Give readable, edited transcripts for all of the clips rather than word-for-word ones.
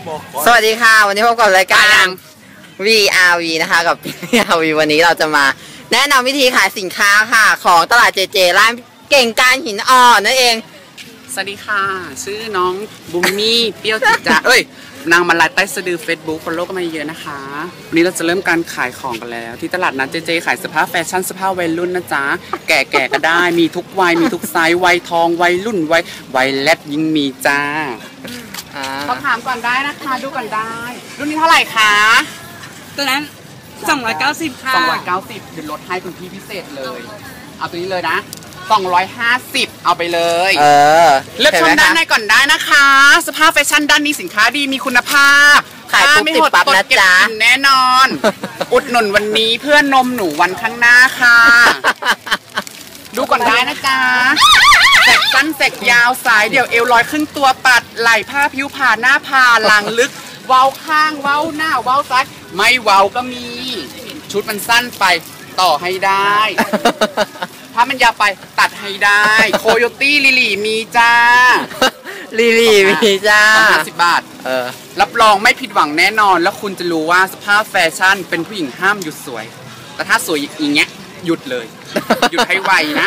สวัสดีค่ะวันนี้พบกับรายการ VRV นะคะกับ VRV วันนี้เราจะมาแนะนำวิธีขายสินค้าค่ะของตลาดเจเจร้านเก่งการหินอ่อนนั่นเองสวัสดีค่ะชื่อน้องบุมมี่เปรี้ยวจิจ๋านางมาลายใต้สะดือ Facebook ฟอลโล่ก็มาเยอะนะคะวันนี้เราจะเริ่มการขายของกันแล้วที่ตลาดนัดเจเจขายเสื้อผ้าแฟชั่นเสื้อผ้าวัยรุ่นนะจ๊ะแก่ๆก็ได้มีทุกวัยมีทุกไซส์วัยทองวัยรุ่นวัยแรดยิ่งมีจ้าต้องถามก่อนได้นะคะดูก่อนได้รุ่นนี้เท่าไหร่คะตัวนั้น290ค่ะ 290เดี๋ยวลดให้คุณพี่พิเศษเลยเอาตัวนี้เลยนะ250เอาไปเลยเลือกชมด้านในก่อนได้นะคะสภาพแฟชั่นด้านนี้สินค้าดีมีคุณภาพขายปุ๊บติดปั๊บนะจ๊ะแน่นอนอุดหนุนวันนี้เพื่อนนมหนูวันข้างหน้าค่ะดูก่อนได้นะจ๊ะแสกสั้นแสกยาวสายเดี่ยวเอวลอยครึ่งตัวปัดไหล่ผ้าผิวผ่าหน้าผ่าหลังลึกเว้าข้างเว้าหน้าเว้าซ้ายไม่เว้าก็มีชุดมันสั้นไปต่อให้ได้ถ้ามันยาวไปตัดให้ได้โคโยตี้ลิลี่มีจ้าลิลี่มีจ้า 50 บาทรับรองไม่ผิดหวังแน่นอนแล้วคุณจะรู้ว่าสภาพแฟชั่นเป็นผู้หญิงห้ามหยุดสวยแต่ถ้าสวยอย่างเงี้ยหยุดเลยหยุดให้ไวนะ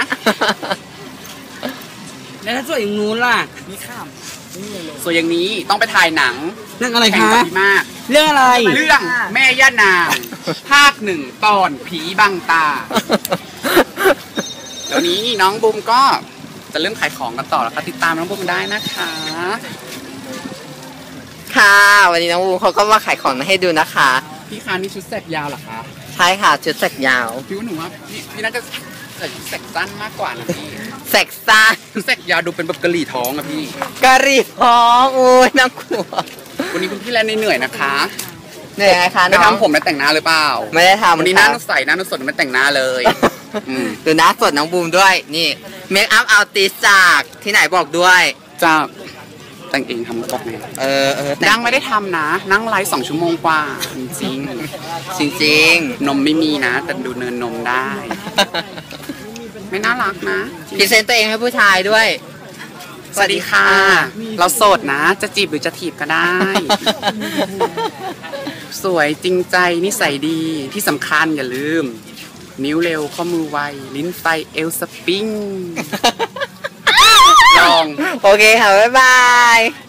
แล้วถ้าสวยอย่างนู้นล่ะนี่ข้ามสวยอย่างนี้ต้องไปถ่ายหนังเรื่องอะไรคะมากเรื่องอะไรเรื่องแม่ย่านางภาค 1ตอนผีบังตาเดี๋ยวนี้น้องบุมก็จะเริ่มขายของกันต่อแล้วค่ะติดตามน้องบุมได้นะคะค่ะวันนี้น้องบุมเขาก็มาขายของให้ดูนะคะพี่คะนี่ชุดแสกยาวเหรอคะใช่ค่ะชุดแสกยาวพี่ว่าหนูว่าพี่น่าจะใส่ชุดแสกสั้นมากกว่านะพี่แสกสั้นชุดแสกยาวดูเป็นแบบกะหรี่ท้องอะพี่กะหรี่ท้องโอ้ยน่ากลัววันนี้คุณพี่แลนเหนื่อยนะคะเหนื่อยไงคะไม่ทำผมและแต่งหน้าหรือเปล่าไม่ได้ทำวันนี้หน้าใสหน้าสดไม่แต่งหน้าเลยดูหน้าสดน้องบูมด้วยนี่เมคอัพอาร์ติสจากที่ไหนบอกด้วยจากแต่งเองทำบอกไงนั่งไม่ได้ทำนะนั่งไลฟ์2 ชั่วโมงกว่าจริงนมไม่มีนะแต่ดูเนินนมได้ไม่น่ารักนะพรีเซนต์ตัวเองให้ผู้ชายด้วยสวัสดีค่ะเราโสดนะจะจีบหรือจะถีบก็ได้สวยจริงใจนิสัยดีที่สำคัญอย่าลืมนิ้วเร็วข้อมือไวลิ้นไฟเอลสปริงลองโอเคค่ะบ๊ายบาย